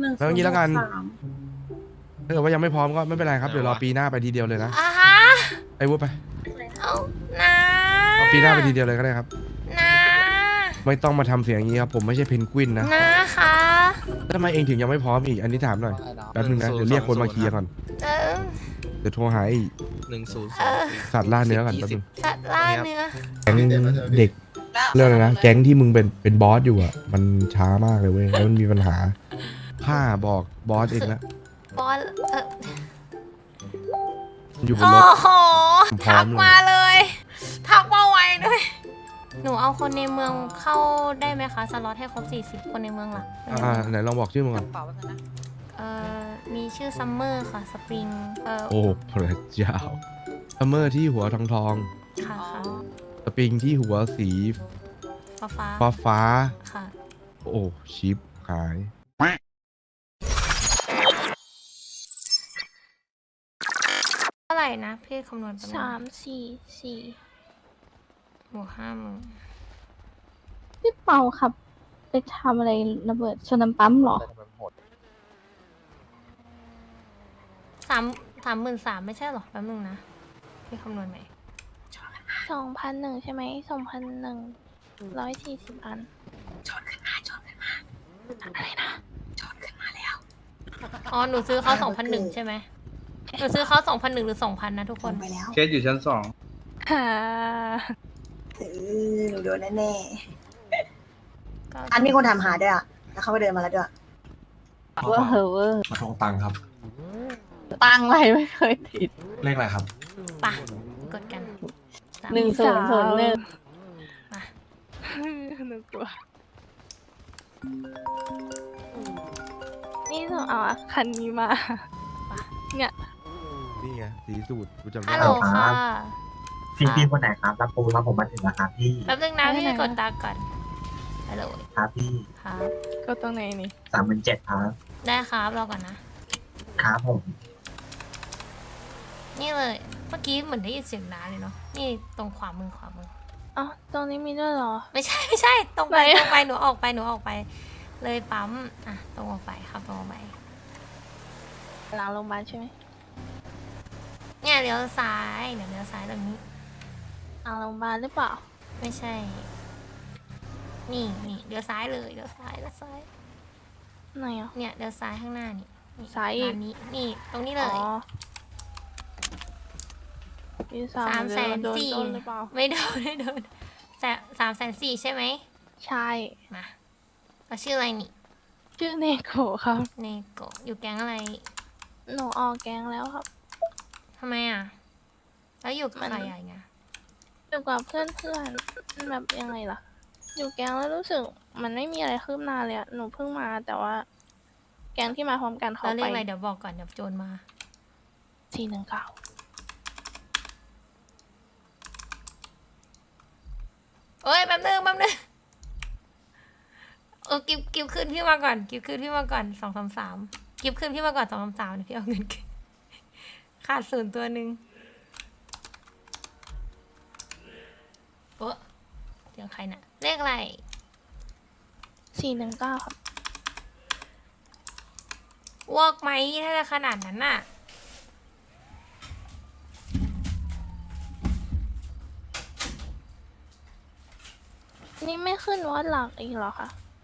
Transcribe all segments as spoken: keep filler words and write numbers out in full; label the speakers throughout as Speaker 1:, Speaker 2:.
Speaker 1: หนึ่ง
Speaker 2: แล้วอย่างนี้แล้วกัน
Speaker 1: สาม
Speaker 2: ถ้าเกิดว่ายังไม่พร้อมก็ไม่เป็นไรครับเดี๋ยวรอปีหน้าไปทีเดียวเลยนะ
Speaker 3: อ่ะฮะ
Speaker 2: ไอ้วุ้ไป
Speaker 3: เอานะ
Speaker 2: เอาปีหน้าไปทีเดียวเลยก็ได้ครับ
Speaker 3: นะ
Speaker 2: ไม่ต้องมาทำเสียงอย่างนี้ครับผมไม่ใช่เพนกวินนะ
Speaker 3: นะคะ
Speaker 2: ทำไมเองถึงยังไม่พร้อมอีกอันนี้ถามหน่อยแป๊บนึงนะเดี๋ยวเรียกคนมาเคลียร์ก่อน
Speaker 3: เออ
Speaker 2: เดี๋ยวโทรหาไอ้
Speaker 4: หนึ่งศูนย์
Speaker 3: เออ
Speaker 2: สัตว์ล่าเนื้อก่อนแป๊บนึง
Speaker 3: สัตว์ล่าเนื้อ
Speaker 2: แก๊งเด็กเรื่องอะไรนะแก๊งที่มึงเป็นเป็นบอสอยู่อ่ะมันช้ามากเลยเว้ยแล้วมันมีปัญหาข้าบอกบอสเองแล้ว
Speaker 3: บอลเออ
Speaker 2: มันอยู่บน
Speaker 3: โอ้
Speaker 2: รถ
Speaker 3: โห
Speaker 2: ผมพร้อ
Speaker 3: ทั
Speaker 2: ม
Speaker 3: ก
Speaker 2: เลย
Speaker 3: มาเลย ทักมาไวด้วย หนูเอาคนในเมืองเข้าได้ไหมคะ สล็อตให้ครบสี่สิบคนในเมืองหลัก
Speaker 2: อ่าไหนลองบอกชื่อมึงก่อน
Speaker 3: เอ่อ มีชื่อซัมเมอร์ค่ะ สปริง เอ่อ
Speaker 2: โอ้พระเจ้าซัมเมอร์ที่หัวทองทอง
Speaker 3: ค่ะค่ะ
Speaker 2: สปริงที่หัวสี
Speaker 3: ฟ้าฟ้า
Speaker 2: ฟ้าฟ้า
Speaker 3: ค่ะ
Speaker 2: โอ้ชิปหาย
Speaker 3: เท่าไหร่นะพี่คำนวณประ
Speaker 5: สา
Speaker 3: มาณ
Speaker 5: มสี่สี่
Speaker 3: บวกห้าหมื่น
Speaker 5: พี่เปาครับ ไปทำอะไรระเบิดชนน้ำปั๊มเหรอ
Speaker 3: สามสามหมื่นสามไม่ใช่หรอแป๊บนึงนะพี่คำนวณไหม
Speaker 5: สองพันหนึ่งใช่ไหมสองพันหนึ่งร้อยสี่สิบอัน
Speaker 3: อ๋อ หนูซื้อเขาสองพันหนึ่งใช่ไหมหนูซื้อเขาสองพันหนึ่งหรือสองพันนะทุกคน
Speaker 1: ไปแล้ว
Speaker 4: เคสอยู่ชั้นสอง
Speaker 5: ฮ่า
Speaker 1: เออหนูโดนแน่
Speaker 3: ก็
Speaker 1: ๆอันมีคนถามหาด้วยอ่ะแล้วเขาไปเดินมาแล้วด้วย
Speaker 5: เวอร์เหอะเวอร์
Speaker 6: มาทวงตังค์ครับ
Speaker 5: ตังไรไม่เคยติด
Speaker 6: เลขอะไรครับ
Speaker 3: ปะกดกันสาม
Speaker 5: หนึ่งศูนย์ศูนย์หนึ่ง
Speaker 3: มา
Speaker 5: หนูกลัว นี่หนูเอาอะคันนี้มา เนี่ย
Speaker 2: นี่ไงสีสูตรกูจำได้
Speaker 3: ฮัลโหลค่ะ
Speaker 7: พี่พี่คนไหนครับรับปูรับผมมาถึงแล้วครับพี่
Speaker 3: แป๊บนึงนะ
Speaker 5: ไม่
Speaker 3: พี่
Speaker 5: ไหน
Speaker 3: กดตาก่อนฮัลโหล
Speaker 7: ครับพี่
Speaker 3: ครับ
Speaker 5: ก็ตรงไหนนี่
Speaker 7: สามหมื่นเจ็ดครับ
Speaker 3: ได้ครับรอก่อนนะ
Speaker 7: ครับผม
Speaker 3: นี่เลย เมื่อกี้เหมือนได้ยินเสียงน้าเลยเนาะ นี่ตรงขวามือขวามือ
Speaker 5: อ๋อ ตรงนี้มีด้วยเหรอ
Speaker 3: ไม่ใช่ไม่ใช่ ตรงไป
Speaker 5: ไหน
Speaker 3: ตรงไปหนูออกไปหนูออกไป เลยปั๊ม อ่ะ ตรงออกไปครับตรงออกไป
Speaker 5: หลังโรงพยาบาลใช่ไหม
Speaker 3: เนี่ยเลี้ยวซ้ายเดี๋ยวเลี้ยวซ้ายตรงนี้
Speaker 5: หลังโรงพยาบาลหรือเปล่า
Speaker 3: ไม่ใช่ นี่นี่เลี้ยวซ้ายเลยเลี้ยวซ้ายเลี้ยวซ้าย
Speaker 5: ไหนอ่ะ
Speaker 3: เนี่ยเลี้ยวซ้ายข้างหน้านี่นี่
Speaker 5: ซ้ายอีก
Speaker 3: ร้านนี้ นี่ ตรงนี้เลย
Speaker 5: อ๋อพี่สาม
Speaker 3: สามแสน
Speaker 5: โดน
Speaker 3: สี่
Speaker 5: ต้นหรือเปล่า
Speaker 3: ไม่โดนไม่โดนแต่สามแสนสี่ใช่ไหม
Speaker 5: ใช่
Speaker 3: มาเราชื่ออะไรนี่
Speaker 5: ชื่อเนโกะครับ
Speaker 3: เนโกะอยู่แก๊งอะไร
Speaker 5: หนูออกแกงแล้วครับ
Speaker 3: ทำไมอ่ะ แล้วอยู่กับ
Speaker 5: มัน
Speaker 3: ใครอ่ะอย่างเงี้ย
Speaker 5: อยู่กับเพื่อนเพื่อนๆแบบยังไงล่ะ อยู่แกงแล้วรู้สึกมันไม่มีอะไรคืบหน้าเลยอะหนูเพิ่งมาแต่ว่า แกงที่มาพร้อมกันเขา
Speaker 3: แล้วเรีย
Speaker 5: ไป
Speaker 3: กอะไรเดี๋ยวบอกก่อนเดี๋ยวโจรมา
Speaker 5: สี่หนึ่งเก้า
Speaker 3: เอ้ยแป๊บนึงแป๊บนึงเออกิบกิบขึ้นพี่มาก่อนกิบขึ้นพี่มาก่อนสองสามสามกิบขึ้นพี่มาก่อนสองสามสามเดี๋ยวพี่เอาเงินคืนขาดศูนย์ตัวหนึ่งโอ้เสียงใครน่ะเลขอะไร
Speaker 5: สี่หนึ่งเก้าครับ
Speaker 3: วอกไหมถ้าจะขนาดนั้นน่ะ
Speaker 5: นี่ไม่ขึ้นวัดหลักอีกเหรอคะ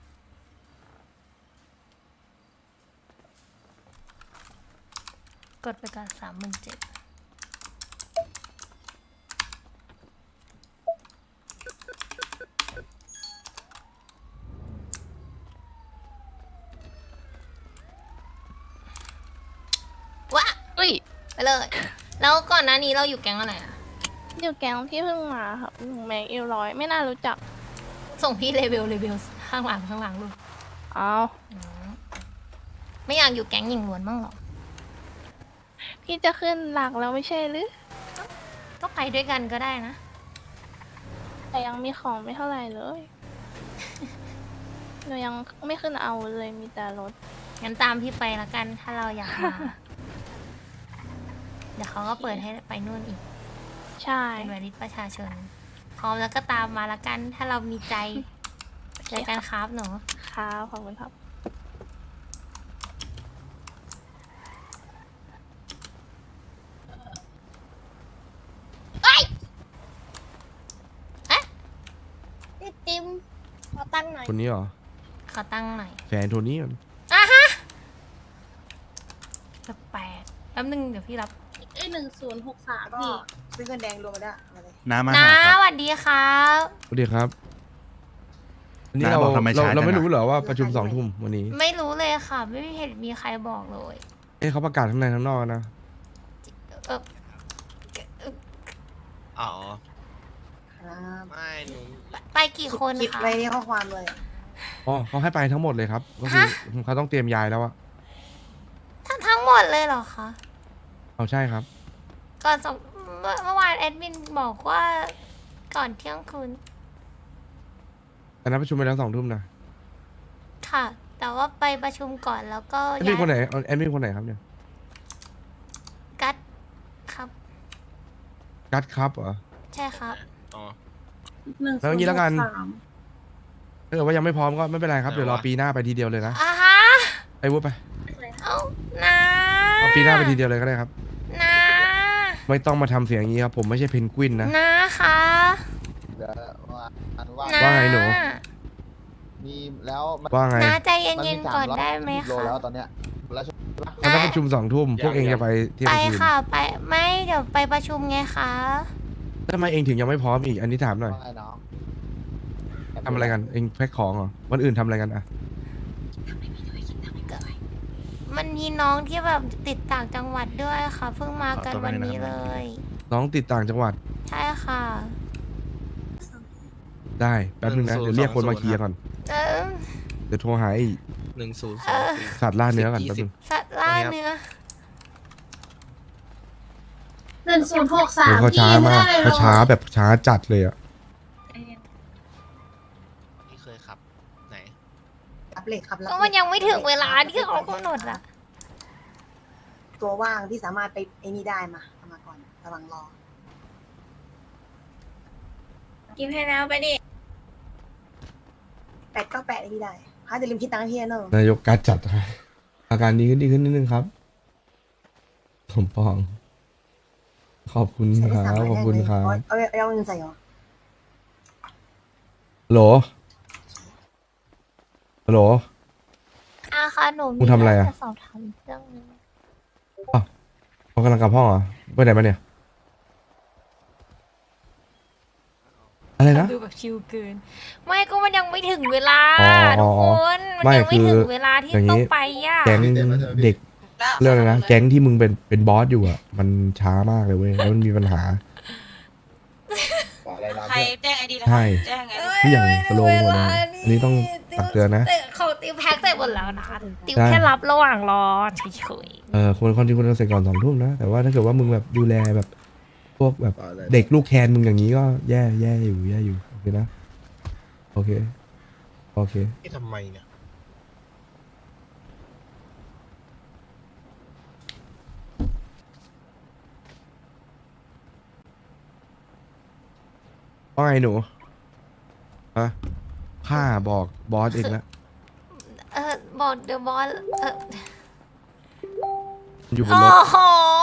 Speaker 3: กดไปก่อนสามหมื่นเจ็ดวะ
Speaker 5: อุ้ย
Speaker 3: ไปเลย แล้วก่อนหน้านี้เราอยู่แก๊งอะไรอ่ะ
Speaker 5: อยู่แกงที่เพิ่งมาครับหนูแม็กเอลร้อยไม่น่ารู้จัก
Speaker 3: ส่งพี่เลเวลเลเวลข้างหลังข้างหลังลูก
Speaker 5: เอา
Speaker 3: อืมไม่อยากอยู่แก๊งหญิงล้วนบ้างหรอ
Speaker 5: พี่จะขึ้นหลักแล้วไม่ใช่หรือ
Speaker 3: ก็ไปด้วยกันก็ได้นะ
Speaker 5: แต่ยังมีของไม่เท่าไหร่เลย หนูยังไม่ขึ้นเอาเลยมีแต่รถ
Speaker 3: งั้นตามพี่ไปละกันถ้าเราอยากมา เดี๋ยวเขาก็เปิดให้ไปนู่นอีก
Speaker 5: ใช่
Speaker 3: เป็นวาริสประชาชน พร้อมแล้วก็ตามมาละกัน ถ้าเรามีใจเจอกันครับหนู
Speaker 5: ครับขอบคุณครับหน่อย
Speaker 2: คนนี้เหรอ
Speaker 3: ขอตั้งหน่อย
Speaker 2: แฟนโทนี่มัน
Speaker 3: อ่ะฮะแปลกๆแป๊บนึงเดี๋ยวพี่รับ
Speaker 5: เอ้หนึ่งศูนย์หกสาม
Speaker 1: แล้วก็
Speaker 5: พี่
Speaker 1: ซื้อเงินแดงรวมมาด้วยมาเลย
Speaker 4: น้ามา
Speaker 3: น้า
Speaker 4: หาครับ
Speaker 3: สวัสดีครับ
Speaker 2: สวัสดีครับอันนี้
Speaker 4: น้า
Speaker 2: เรา
Speaker 4: บอกทำไม
Speaker 2: เรา
Speaker 4: ช้า
Speaker 2: เรา
Speaker 4: จัง
Speaker 2: ไม่
Speaker 4: อะ
Speaker 2: รู้เหรอว่าประชุมสองทุ่มวันนี้
Speaker 3: ไม่รู้เลยค่ะ ไม่เห็นมีใครบอกเลย
Speaker 2: เอ้เขาประกาศข้างในข้างนอกนะ
Speaker 3: เออเอ่อ
Speaker 6: อ๋อ
Speaker 1: ครับ
Speaker 6: ไม่หนู
Speaker 3: ไปกี่คน
Speaker 1: คิด
Speaker 3: คะ
Speaker 1: ไว้ในข้อความเลย
Speaker 2: อ๋อเขาให้ไปทั้งหมดเลยครับก็คือเขาต้องเตรียมย้ายแล้วอะ
Speaker 3: ทั้งทั้งหมดเลยเหรอคะ
Speaker 2: เอาใช่ครับ
Speaker 3: ก่อนสองเมื่อเมื่อวานแอดมินบอกว่าก่อนเที่ยงคืน
Speaker 2: แต่นัดประชุมไปแล้วสองทุ่มนะ
Speaker 3: ค่ะ แต่ว่าไปประชุมก่อนแล้วก็
Speaker 2: แอดมินคนไหนแอดมินคนไหนครับเนี่ย
Speaker 3: กัดครับ
Speaker 2: กัดครับเหรอ
Speaker 3: ใช่ครับ
Speaker 6: อ๋อ
Speaker 5: หนึ่ง
Speaker 2: แล้วอย่างนี้แล้วกัน ถ้าเกิดว่ายังไม่พร้อมก็ไม่เป็นไรครับ
Speaker 6: ไหนวะ
Speaker 2: เดี๋ยวรอปีหน้าไปทีเดียวเลยนะ
Speaker 3: อ่ะฮะ
Speaker 2: ไอ้วุ้ไป
Speaker 3: เอ้านา
Speaker 2: เอาปีหน้าไปทีเดียวเลยก็ได้ครับ
Speaker 3: นา
Speaker 2: ไม่ต้องมาทำเสียงอย่างนี้ครับ ผมไม่ใช่เพนกวินนะ
Speaker 3: นาคะ
Speaker 8: เดี๋ยวว่าอันว่า
Speaker 3: นา
Speaker 2: ว่าไงหนู
Speaker 8: มีแล้วมัน
Speaker 2: ว่าไง
Speaker 3: นาใจ
Speaker 8: มัน
Speaker 3: เย็
Speaker 8: มี
Speaker 3: น
Speaker 8: สา
Speaker 3: ๆก่อน
Speaker 8: ร้อย
Speaker 3: ได้ไหม
Speaker 8: โล
Speaker 3: คะ
Speaker 8: แล้วตอนเนี้ยแล้วใช่ปะ
Speaker 2: มันต้องประชุมสองทุ่มพวกเองจะไปเที่ยง
Speaker 3: ไป
Speaker 2: คืน
Speaker 3: ค่ะไปไม่เดี๋ยวไปประชุมไงคะ
Speaker 2: ทำไมเองถึงยังไม่พร้อมอีก อันนี้ถามหน่อย
Speaker 8: ว่าไงน้อง
Speaker 2: ทำอะไรกัน เองแพ็คของเหรอ วันอื่นทำอะไรกันอะ
Speaker 3: มันมีน้องที่แบบติดต่างจังหวัดด้วยค่ะ เพิ่งมากันวันนี้เลย
Speaker 2: น้องติดต่างจังหวัด
Speaker 3: ใช่ค่ะ
Speaker 2: ได้แป๊บนึงนะ เดี๋ยวเรียกคนมาเคลียร์ก่อน
Speaker 3: เออ
Speaker 2: เดี๋ยวโทรหาไอ้
Speaker 6: หนึ่งศูนย์ส
Speaker 3: เอ
Speaker 6: อง
Speaker 3: อ
Speaker 6: สี่
Speaker 2: สัตว์ล่าเนื้อก่อน
Speaker 6: สิบ
Speaker 2: แป๊บนึง
Speaker 3: สัตว์ล่าเนื้อ
Speaker 5: หนึ่งศูนย์หกสา
Speaker 2: โอ้
Speaker 5: ม
Speaker 2: เขาช้ามากเขาช้าแบบช้าจัดเลยอะ
Speaker 6: ที่เคยขับ ไหน
Speaker 1: รับเหล็กครับรับ
Speaker 3: ก็มันยังไม่ถึงเวลาที่เขากำหนดอะ
Speaker 1: ตัวว่างที่สามารถไปไอ้นี่ได้มาเอามาก่อนระวังรอ
Speaker 5: กินให้แล้วไปดิ
Speaker 1: แปดก็แปดไอ้นี่ได้ฮะจะลืมคิดตังค์ให้พี่นะเนอะ
Speaker 2: นายกการจัดให้อาการดีขึ้นดีขึ้นนิดนึงครับสมปอง ขอบคุณ
Speaker 1: ใส่
Speaker 2: ค
Speaker 1: ได้
Speaker 2: รั
Speaker 1: สาม
Speaker 2: บ
Speaker 1: ร้อย
Speaker 2: ขอบคุณครั
Speaker 1: เอา
Speaker 2: บ
Speaker 1: เอาเอาเอาเงินใส่เหรอ
Speaker 2: โหลโหล
Speaker 3: อาค่ะหนู
Speaker 2: มึงทำอะไรอะ
Speaker 3: จสอบถามเรื่องนึง
Speaker 2: เขากำลังกลับห้องเหรอไปไหนมาเนี่ย อะไรนะ
Speaker 3: ดูแบบชิลเกิน ไม่ก็มันยังไม่ถึงเวลา
Speaker 2: อ๋อ
Speaker 3: ทุ
Speaker 2: อ๋
Speaker 3: ก
Speaker 2: อ
Speaker 3: ค
Speaker 2: อ๋อน
Speaker 3: มัน
Speaker 2: ไม่
Speaker 3: ยังไม่
Speaker 2: คือ
Speaker 3: ถึงเวลาที่
Speaker 2: อย่างนี้
Speaker 3: ต้องไปอ่ะ
Speaker 2: แก๊งเด็กเรื่องอะไรนะ แก๊งที่มึงเป็นเป็นบอสอยู่อ่ะ มันช้ามากเลยเว้ย แล้วมันมีปัญหา
Speaker 8: อะไรนะ
Speaker 9: ใคร
Speaker 8: เพื่อน
Speaker 9: แจ้งไอดีแล้ว
Speaker 2: ใช่
Speaker 9: แจ้งไง
Speaker 2: ทุกอย่างสโลว์หมดเลยอันนี้ต้องตักเตือนนะ
Speaker 3: แต่เขาติวแพ็คเสร็จหมดแล้วนะติว
Speaker 2: ใช่
Speaker 3: แค่รับระหว่างรอเฉย
Speaker 2: เออควรคนที่ควรจะเสร็จก่อนสองทุ่มนะ แต่ว่าถ้าเกิดว่ามึงแบบดูแลแบบ พวกแบบเด็กลูกแคนมึงอย่างนี้ก็แย่แย่อยู่แย่อยู่ โอเคนะ โอเค โอเค
Speaker 6: ที่ทำไมเนี่ย
Speaker 2: ว่าไงหนูฮะข้าบอกบอสเองนะ
Speaker 3: ๆเออบอกเดอะบอสเออ
Speaker 2: อยู่บน
Speaker 3: โอ้
Speaker 2: รถ
Speaker 3: โห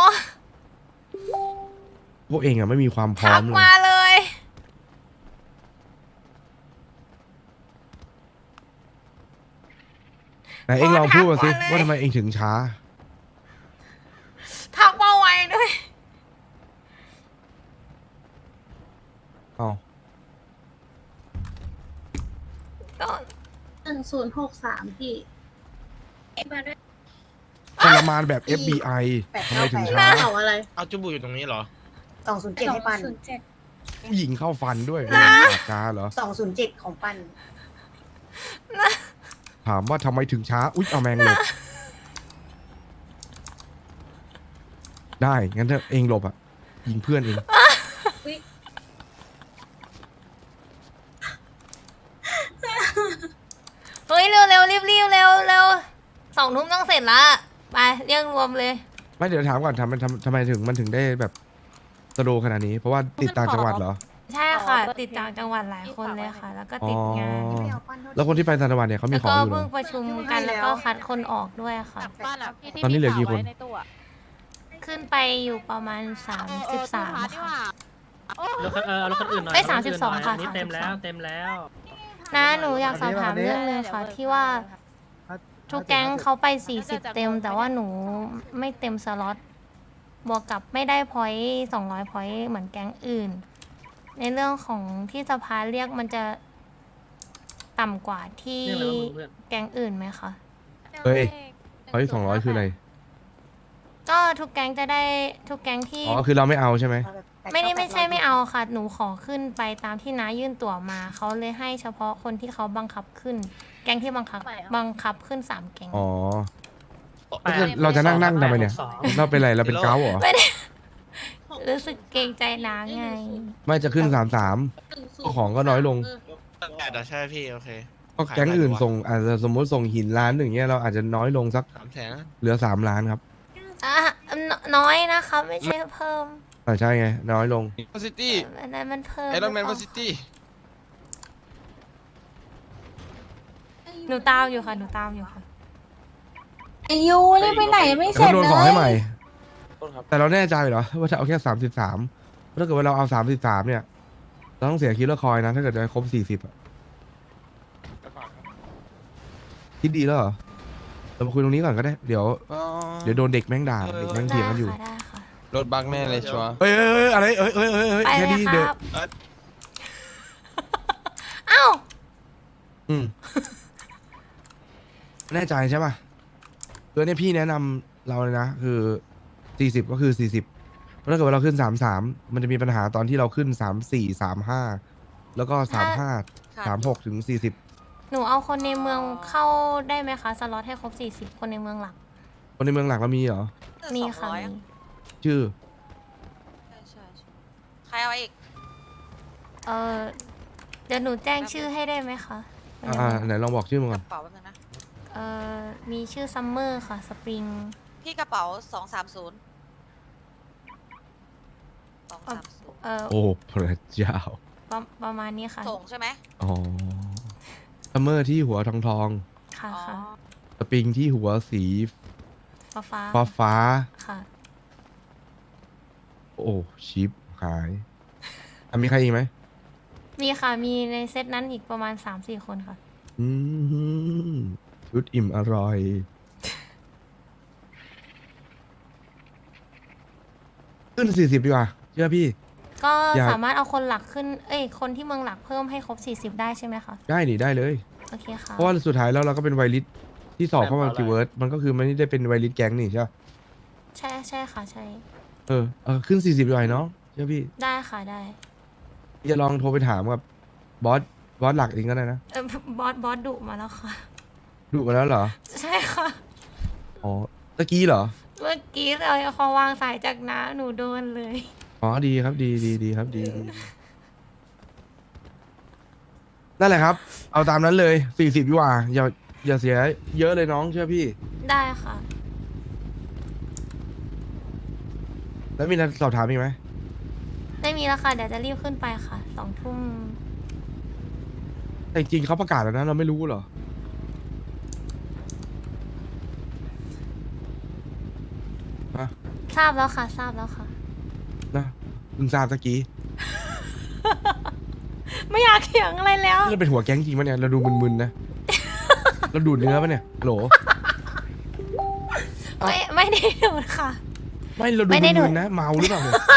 Speaker 2: พวกเองอะไม่มีความพร้อ
Speaker 3: ทั
Speaker 2: ม
Speaker 3: ก
Speaker 2: เลย
Speaker 3: มาเลย
Speaker 2: ไหนเองลองพูดมาสิ
Speaker 3: ทักมาเลย
Speaker 2: ว่าทำไมเองถึงช้า
Speaker 3: ทักมาไวด้วย
Speaker 2: เอ้า
Speaker 3: ก็
Speaker 5: หนึ่งศูนย์หกสามพี่มาด้วย
Speaker 2: ทรมานแบบ เอฟ บี ไอ ทำไมถึงช้า
Speaker 5: เขาอะไร
Speaker 6: เอาจุบูอยู่ตรงนี้เหรอ
Speaker 1: สองศูนย์เจ็ดให้ปั้น
Speaker 5: ศูนย์เจ็ด
Speaker 2: ผู้หญิงเข้าฟันด้วยปากกาเหรอ
Speaker 1: สองศูนย์เจ็ดของปั้น
Speaker 2: ถามว่าทำไมถึงช้า อุ๊ย เอาแมงหลบ ได้ งั้นถ้าเองหลบอ่ะ ยิงเพื่อนเอง
Speaker 3: เฮ้ยเร็วเร็วรีบรีบเร็วเร็วสองทุ่มต้องเสร็จละไปเรียกรวมเลย
Speaker 2: ไม่เดี๋ยวถามก่อนทำมันทำทำไมถึงมันถึงได้แบบสโลว์ขนาดนี้ เพราะว่าติดต่างจังหวัดเหรอ
Speaker 3: ใช่ค่ะ ติดต่างจังหวัดหลายคนเลยค่ะ แล้วก็ติดงาน
Speaker 2: อ๋อ
Speaker 1: ไม่เอาปั้นเท่า
Speaker 2: แล้วคนที่ไปต่างจังหวัดเนี่ยเขามี
Speaker 3: แล้ว
Speaker 2: ของ
Speaker 3: ก็
Speaker 2: อยู่เหร
Speaker 3: เพิ่
Speaker 2: อ
Speaker 3: งประชุมกันแล้วก็คัดคนออกด้วยค่ะ
Speaker 9: บ้านอ่ะ
Speaker 2: ตอนนี้เหลือกี่คน
Speaker 3: ขึ้นไปอยู่ประมาณสามสิบสามค่ะ
Speaker 10: รถคันเออเอารถคันอื่นหน่อย
Speaker 3: เอ้ย
Speaker 10: เอรถคันน
Speaker 3: สามสิบสอง
Speaker 10: หน่ย
Speaker 3: ค่ะ
Speaker 10: นนี้เต็มแล้ว
Speaker 3: สามสิบสอง
Speaker 10: เต็มแล้ว
Speaker 3: นะหนูอยากสอบถามเรื่องนึงค่ะที่ว่าทุกแก๊งเขาไปสี่สิบเต็ม แต่ว่าหนูไม่เต็มสล็อตบวกกับไม่ได้พอยต์สองร้อยพอยต์เหมือนแก๊งอื่น ในเรื่องของที่สภาเรียกมันจะต่ำกว่าที่แก๊งอื่นไหมคะ
Speaker 2: เฮ้ยร้อยสองร้อยคืออะไร
Speaker 3: ก็ทุกแก๊งจะได้ทุกแก๊งที่
Speaker 2: อ๋อคือเราไม่เอาใช่ไหม
Speaker 1: เอาแบบแปด
Speaker 3: ไม่ได้
Speaker 1: เก้า
Speaker 3: ไม่ใช่
Speaker 1: แปดร้อย
Speaker 3: ไม่เอาค่ะ หนูขอขึ้นไปตามที่น้ายื่นตั๋วมาเขาเลยให้เฉพาะคนที่เขาบังคับขึ้น แก๊งที่บังคับบังคับขึ้นสามแก๊ง
Speaker 2: อ๋อแล้วจะเราจะนั่งนั่งทำไมเนี่ย เราเป็นไรเราเป็นเก้าเหรอ
Speaker 3: ไม่ได้ รู้สึกเกรงใจน้าไง
Speaker 2: ไม่จะขึ้นสามสามของก็น้อยลง
Speaker 6: แปดอะใช่พี่โอเค
Speaker 2: ก็แก๊งอื่นส่งอาจจะสมมติส่งหินล้านหนึ่งเงี้ยเราอาจจะน้อยลงสัก
Speaker 6: สามแสน
Speaker 2: เหลือสามล้านครับ
Speaker 3: อ่ะนน้อยนะคะไม่ใช่เพิ่ม
Speaker 2: อ่าใช่ไง น้อยลง
Speaker 6: วอซิตี้
Speaker 3: อันนั้นมันเพิ่ม
Speaker 6: ไอรอนแมน
Speaker 3: ห
Speaker 6: ว
Speaker 3: รื
Speaker 6: อ
Speaker 3: อเป
Speaker 6: ซิ
Speaker 3: ล่า
Speaker 6: ตี้
Speaker 3: หนูตามอยู่ค่ะหนูตามอยู่ค่ะ
Speaker 4: ไอายุรีบไปไหนไม่เส
Speaker 2: แต่
Speaker 4: ร็จ
Speaker 2: ก็โดน
Speaker 4: เล
Speaker 2: ขอให้ใหม่
Speaker 4: ย
Speaker 2: แต่เราแน่ใจเหรอว่าจะเอาแค่สามสิบสามถ้าเกิดว่าเราเอาสามสิบสามเนี่ย เราต้องเสียคิลเลอร์คอยนะ ถ้าเกิดจะครบสี่สิบอะคิดดีแล้วเหรอ เรามาคุยตรงนี้ก่อนก็ได้ เดี๋ยว เดี๋ยวโดนเด็กแม่งด่า เด็กแม่งเถียงกันอยู่
Speaker 3: ได้ค่ะ
Speaker 6: รถบักแน่เลยชัวร์
Speaker 2: เอ้ยเอ้ยเอ้ยอะไรเอ้ยเอ้ยเอ้ยเอ้ย
Speaker 3: ได้
Speaker 2: แค่
Speaker 3: ค่ะไป
Speaker 2: นี้
Speaker 3: เลย
Speaker 2: เดี๋ยว
Speaker 3: ครับเอ้า
Speaker 2: อืม แน่ใจใช่ป่ะคือเนี่ยพี่แนะนำเราเลยนะ คือสี่สิบก็คือสี่สิบถ้าเกิดว่าเราขึ้นสามสามมันจะมีปัญหาตอนที่เราขึ้นสามสี่สามห้าแล้วก็สามห้าสามหกถึงสี่สิบ
Speaker 3: หนูเอาคนในเมืองเข้าได้ไหมคะสล็อตให้ครบสี่สิบคนในเมืองหลัก
Speaker 2: คนในเมืองหลักเรามีเหรอ
Speaker 3: มีค่ะมี
Speaker 2: ชื่อ
Speaker 9: ใครเอาอีก
Speaker 3: เออเดี๋ยวหนูแจ้งชื่อให้ได้ไหมคะ
Speaker 2: อ่าไหนลองบอกชื่อมาก่
Speaker 9: ก
Speaker 2: อน
Speaker 9: ระเป๋าแป๊บนึงนะ
Speaker 3: เออมีชื่อซัมเมอร์ค่ะสปริง
Speaker 9: พี่กระเป๋าสองสามศูนย์สองสามศูนย์
Speaker 3: เออ
Speaker 2: โอ้พระเจ้า
Speaker 3: ประประมาณนี้ค่ะ
Speaker 9: ส่งใช่ไหม
Speaker 2: อ๋อซัมเมอร์ที่หัวทองทอง
Speaker 3: ค่ะ
Speaker 9: อ๋อ
Speaker 3: ค่ะ
Speaker 2: สปริงที่หัวสี
Speaker 3: ฟ้าฟ้า
Speaker 2: ฟ้าฟ้า
Speaker 3: ค่ะ
Speaker 2: โอ้ชิปหายอ่ะมีใครอีกไหม
Speaker 3: มีค่ะมีในเซตนั้นอีกประมาณสามสี่คนค่ะ
Speaker 2: อืมชุดอิ่มอร่อย ขึ้นสี่สิบดีกว่าเชื่อพี่
Speaker 3: ก็
Speaker 2: อยาก
Speaker 3: สามารถเอาคนหลักขึ้น เอ้ยคนที่เมืองหลักเพิ่มให้ครบสี่สิบได้ใช่ไหมคะ
Speaker 2: ได้นี่ได้เลย
Speaker 3: โอเคค่ะ
Speaker 2: เพราะว่าสุดท้ายแล้วเราก็เป็นไวริสที่สอบเข้ามาคิวเวิร์ดมันก็คือไม่ได้เป็นไวริสแก๊งนี่ใช่ปะ
Speaker 3: ใช่ใช่ค่ะใช่
Speaker 2: เออเออขึ้นสี่สิบดีกว่าเนาะเชื่อพี่
Speaker 3: ได้ค่ะได้
Speaker 2: พี่จะลองโทรไปถามกับบอสบอสหลักเองก็ได้นะ
Speaker 3: เออบอสบอสดุมาแล้วค่ะ
Speaker 2: ดูมาแล้วเหรอ
Speaker 3: ใช่ค่ะ
Speaker 2: อ๋อตะกี้เหรอ
Speaker 3: เมื่อกี้เลยพอวางสายจากน้าหนูโดนเลย
Speaker 2: อ๋อดีครับดีดีดีครับดีดีนั่นแหละครับ เอาตามนั้นเลยสี่สิบดีกว่าอย่าอย่าเสียเยอะเลยน้องเชื่อพี่
Speaker 3: ได้ค่ะ
Speaker 2: แล้วมีอะไรสอบถามอีกไหม
Speaker 3: ไม่มีแล้วค่ะ เดี๋ยวจะรีบขึ้นไปค่ะสองทุ่ม
Speaker 2: แต่จริงๆเขาประกาศแล้วนะเราไม่รู้เหรอฮะ
Speaker 3: ทราบแล้วค่ะ ทราบแล้วค่ะ
Speaker 2: นะมึงทราบตะกี้
Speaker 3: ไม่อยากเถียงอะไรแล้ว
Speaker 2: นี่เราเป็นหัวแก๊งจริงปะเนี่ยเราดูมึนๆนะ เราดูดเนื้อปะเนี่ยโหล
Speaker 3: ไม่ไม่ได้ดูดค่ะ
Speaker 2: ไม่เราดู
Speaker 3: ไม่ได้ดูด
Speaker 2: มึนๆนะเมาหรือเปล่าเนี่ย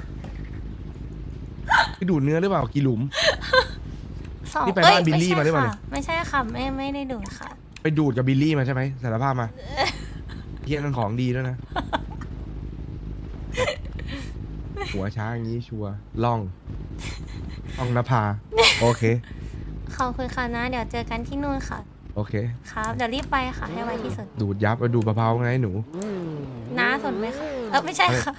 Speaker 2: ไปดูดเนื้อหรือเปล่ากี่หลุม
Speaker 3: สอง
Speaker 2: นี่ไป
Speaker 3: เอ้ย
Speaker 2: บ้านบิลลี่
Speaker 3: ไใช่
Speaker 2: มาหรือเปล่าเนี่ย
Speaker 3: ค่ะไม่ใช่ค่ะไม่ไม่ได้ดูดค่ะ
Speaker 2: ไปดูดกับบิลลี่มาใช่ไหมสารภาพมาเฮียนั่นของดีแล้วยนะ หัวช้างอย่างนี้ชัวร์ล่องล่องนภาโอเค
Speaker 3: ขอบคุณค่ะนะ เดี๋ยวเจอกันที่นู่นค่ะ
Speaker 2: โอเค
Speaker 3: ครับ เดี๋ยวรีบไปค่ะ ให้ไวที่สุด
Speaker 2: ดูดยับไปดูดมะพร้าวไงหนู
Speaker 3: น้าสนไหมคะ เออไม่ใช่ค่ะ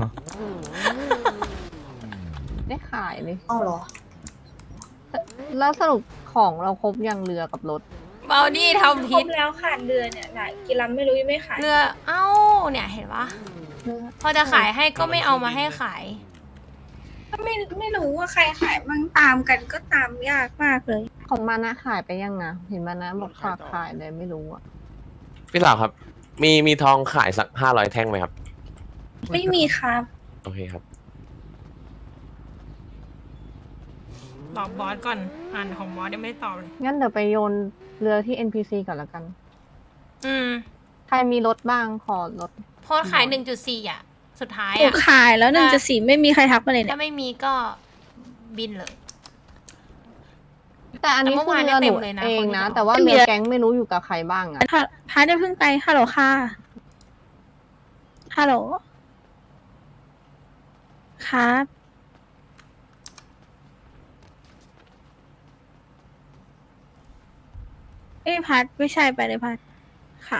Speaker 4: ได้ขายเลย
Speaker 1: เอาเหรอ
Speaker 4: แล้วสรุปของเราครบยังเรือกับรถ
Speaker 3: เบาดี้ทำ
Speaker 10: คร
Speaker 3: พิษ
Speaker 10: บแล้วขาดเรือเนี่ยหลายกิลัมไม่รู้ยังไม่ขาย
Speaker 3: เรือ เอ้า เนี่ยเห็นปะพอจะขายให้ก็ไม่เอามาให้ขาย
Speaker 10: ก็ไม่ไม่รู้ว่าใครขายบ้างตามกันก็ตามยากมากเลย
Speaker 4: ของมานะขายไปยังนะเห็นมานะบอกฝากขายเลยไม่รู้อะ
Speaker 11: พี่สาวครับ มีมีทองขายสักห้าร้อยแท่งไหมครับ
Speaker 10: ไม่มีครับ
Speaker 11: โอเคครับ
Speaker 3: ตอบบอสก่อน อ่านของบอสยังไม่ได้ตอบเลย
Speaker 4: งั้นเดี๋ยวไปโยนเรือที่ เอ็น พี ซี ก่อนละกัน
Speaker 3: อืม
Speaker 4: ใครมีรถบ้างขอรถ
Speaker 3: โพสต์ขายหนึ่งจุดสี่อ่ะ สุดท้าย
Speaker 5: หนู
Speaker 3: อ่ะ
Speaker 5: ขายแล้วหนึ่งจะสี่ไม่มีใครทักมาเลยเนี่
Speaker 3: ถ้าย ไม่มีก็บินเลย
Speaker 4: แต่อันนี้
Speaker 3: แต่เมื่
Speaker 4: คือ
Speaker 3: อวาน
Speaker 4: เรือห
Speaker 3: เนี่ย
Speaker 4: นู
Speaker 3: เต็มเลยนะ
Speaker 4: เองนะ
Speaker 3: คนที่จะ
Speaker 4: แต่ว่า
Speaker 5: ไม่มี
Speaker 4: เรือแก๊งไม่รู้อยู่กับใครบ้างอะ
Speaker 5: พาพาได้เพิ่งไปฮัลโหลค่ะฮัลโหลครับเอ้ยพัดไม่ใช่ไปเลยพัดค่ะ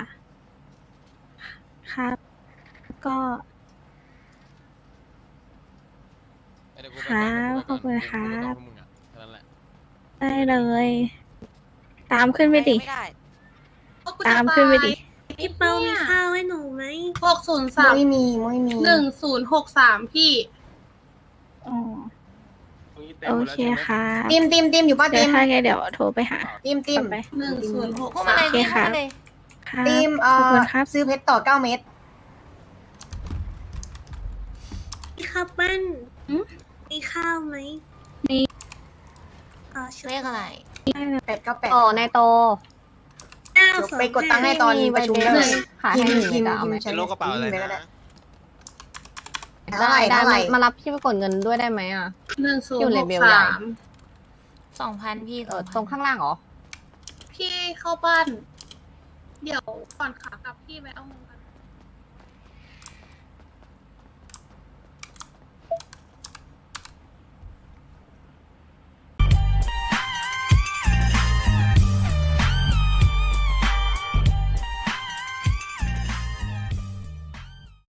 Speaker 5: ครับ ก็ ครับขอบคุณครับ ได้เลย ตามขึ้นไปดิ
Speaker 9: ไม่ได้
Speaker 5: ตามขึ้นไปดิ
Speaker 10: พี่เปามีข้าวให้หนูไหมหกศูนย์สาม
Speaker 1: ไม่มีไม่มี
Speaker 10: หนึ่งศูนย์หกสามพี่
Speaker 5: อ๋อ โอเคค่ะ
Speaker 1: ติมติมติมอยู่ป่ะ
Speaker 5: เดี๋
Speaker 1: ติ
Speaker 5: ยว
Speaker 1: ม
Speaker 5: ถ้าไงเดี๋ยวโทรไปหา
Speaker 1: ติมติม
Speaker 5: ไป
Speaker 10: หนึ่งศูนย์หก
Speaker 3: พูดมา
Speaker 10: สา
Speaker 3: เล
Speaker 10: ม
Speaker 3: ยพี่พูดมาเลย
Speaker 5: ครับ
Speaker 1: ติมเอ่
Speaker 5: ขอบ
Speaker 1: อ
Speaker 5: คุณครับ
Speaker 1: ซื้อเพชรต่อเก้าเม็ด
Speaker 10: พี่ข้าวปั้นมีข้าวไหม
Speaker 5: มี
Speaker 10: อ๋อชุด
Speaker 3: เลขอะไร
Speaker 1: แปดเก้าแปด
Speaker 4: อ๋อนายโต
Speaker 10: เก้า
Speaker 1: เดี๋ยว
Speaker 10: สอง
Speaker 1: ไปกดตังค์ให้ตอนประชุม
Speaker 4: มี
Speaker 1: ได้
Speaker 4: ใบ
Speaker 1: เล
Speaker 4: เดี
Speaker 1: ย
Speaker 4: ยวขายให้หนึ่งเลยจ้ะเอาไหม
Speaker 6: เป็นโลกกระเป๋าอะไร
Speaker 1: พิมพ์ปก็
Speaker 6: นะ
Speaker 1: ด้เท่าไหร่
Speaker 4: ได้
Speaker 1: เท่าไหร่
Speaker 4: มารับพี่ไปกดเงินด้วยได้ไหมอ่ะ
Speaker 10: หนึ่งศูน
Speaker 4: อยู่
Speaker 10: ย์
Speaker 4: เล
Speaker 10: หก
Speaker 4: เวลใหญ่
Speaker 10: สาม
Speaker 3: สองพันพี่
Speaker 4: เออ
Speaker 3: 2,000
Speaker 4: ตรงข้างล่างเหรอ
Speaker 10: พี่เข้าบ้าน เดี๋ยวก่อนขากลับพี่ไปเอาเงินกัน